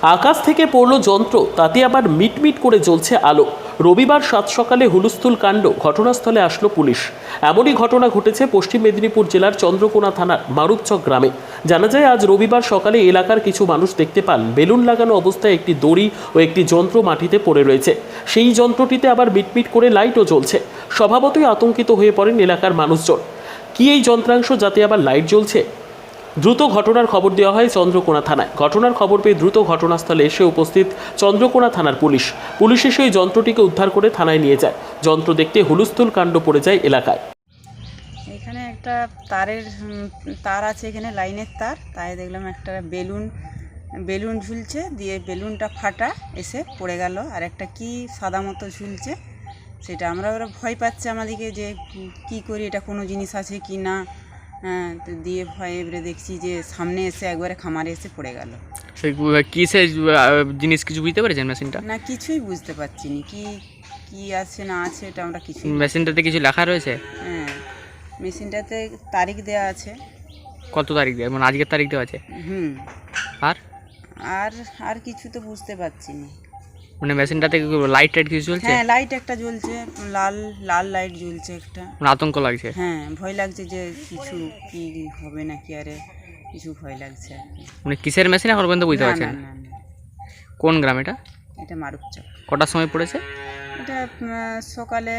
আকাশ থেকে পড়ল যন্ত্র, তাতে আবার মিটমিট করে জ্বলছে আলো। রবিবার সাত সকালে হুলস্থুল কাণ্ড, ঘটনাস্থলে আসলো পুলিশ। এমনই ঘটনা ঘটেছে পশ্চিম মেদিনীপুর জেলার চন্দ্রকোনা থানার মারুপচক গ্রামে। জানা যায়, আজ রবিবার সকালে এলাকার কিছু মানুষ দেখতে পান বেলুন লাগানো অবস্থায় একটি দড়ি ও একটি যন্ত্র মাটিতে পড়ে রয়েছে। সেই যন্ত্রটিতে আবার মিটমিট করে লাইটও জ্বলছে। স্বভাবতই আতঙ্কিত হয়ে পড়েন এলাকার মানুষজন। কি এই যন্ত্রাংশ, যাতে আবার লাইট জ্বলছে? দ্রুত ঘটনার খবর দেওয়া হয় চন্দ্রকোনা থানায়। ঘটনার খবর পেয়ে দ্রুত ঘটনাস্থলে এসে উপস্থিত চন্দ্রকোনা থানার পুলিশ। পুলিশ এসে ওই যন্ত্রটিকে উদ্ধার করে থানায় নিয়ে যায়। যন্ত্র দেখতে হুলস্থুল কাণ্ড পড়ে যায় এলাকায়। এখানে একটা তার আছে, এখানে লাইনের তার, তাই দেখলাম একটা বেলুন ঝুলছে, দিয়ে বেলুনটা ফাটা এসে পড়ে গেল। আর একটা কি সাদা মতো ঝুলছে, সেটা ওরা ভয় পাচ্ছে আমাদেরকে যে কি করি, এটা কোনো জিনিস আছে কি না। তো দিয়ে ভয়ে এবারে দেখছি যে সামনে এসে একবারে খামারে এসে পড়ে গেল। কিসের জিনিস কিছু বুঝতে পেরেছেন মেশিনটা? না, কিছুই বুঝতে পারছি না কি আছে না আছে, এটা আমরা কিছু। মেশিনটাতে কিছু লেখা রয়েছে? হ্যাঁ, মেশিনটাতে তারিখ দেওয়া আছে। কত তারিখ দেওয়া, মানে আজকের তারিখ দেওয়া আছে? হুম। আর আর আর কিছু তো বুঝতে পারছি না। মানে মেশিনটাতে লাইট টাইট কিছু চলছে? হ্যাঁ, লাইট একটা জ্বলছে, লাল লাল লাইট জ্বলছে একটা। মানে আতঙ্ক লাগছে? হ্যাঁ, ভয় লাগছে যে কিছু কি হবে নাকি, আরে কিছু ভয় লাগছে আর কি। মানে কিসের মেশিন এখন পর্যন্ত বুঝতে না, পারছেন? না, না, না, কোন গ্রাম এটা? এটা মারুপচক। কটার সময় পড়েছে? এটা সকালে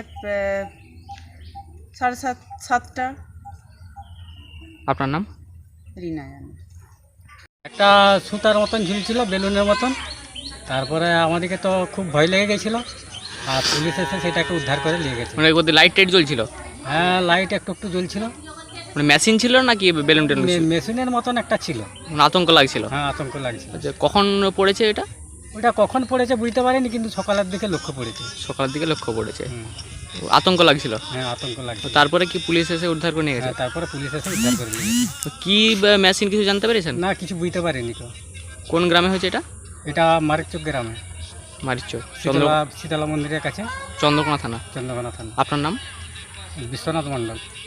7:30। আপনার নাম? রিনা জানে। একটা সুতার মতন ঝুলছিল, বেলুনের মতন। তারপরে আমাদেরকে তো খুব ভয় লেগে গেছিলো, আর পুলিশ এসে সেটাকে উদ্ধার করে নিয়ে গেছে। মানে ওদের লাইট টাইট জ্বলছিল? হ্যাঁ, লাইট একটু একটু জ্বলছিল। মানে মেশিন ছিল নাকি বেলুন টেলুন ছিল? মেশিনের মতন একটা ছিল। মানে আতঙ্ক লাগছিল? হ্যাঁ, আতঙ্ক লাগছিল। আচ্ছা, কখন পড়েছে এটা? ওটা কখন পড়েছে বুঝতে পারিনি, কিন্তু সকালের দিকে লক্ষ্য পড়েছে। সকালের দিকে লক্ষ্য পড়েছে। হুম। আতঙ্ক লাগছিল? হ্যাঁ, আতঙ্ক লাগছিল। তারপরে কি পুলিশ এসে উদ্ধার করে নিয়ে গেছে? হ্যাঁ, তারপরে পুলিশ এসে উদ্ধার করে নিয়ে গেছে। তো কি মেশিন কিছু জানতে পেরেছেন? না, কিছু বুঝতে পারিনি তো। কোন গ্রামে হয়েছে এটা? এটা মারিকচক গ্রামে, মারিচক, শীতলা মন্দিরের কাছে, চন্দ্রকোনা থানা। চন্দ্রকোনা থানা। আপনার নাম? বিশ্বনাথ মণ্ডল।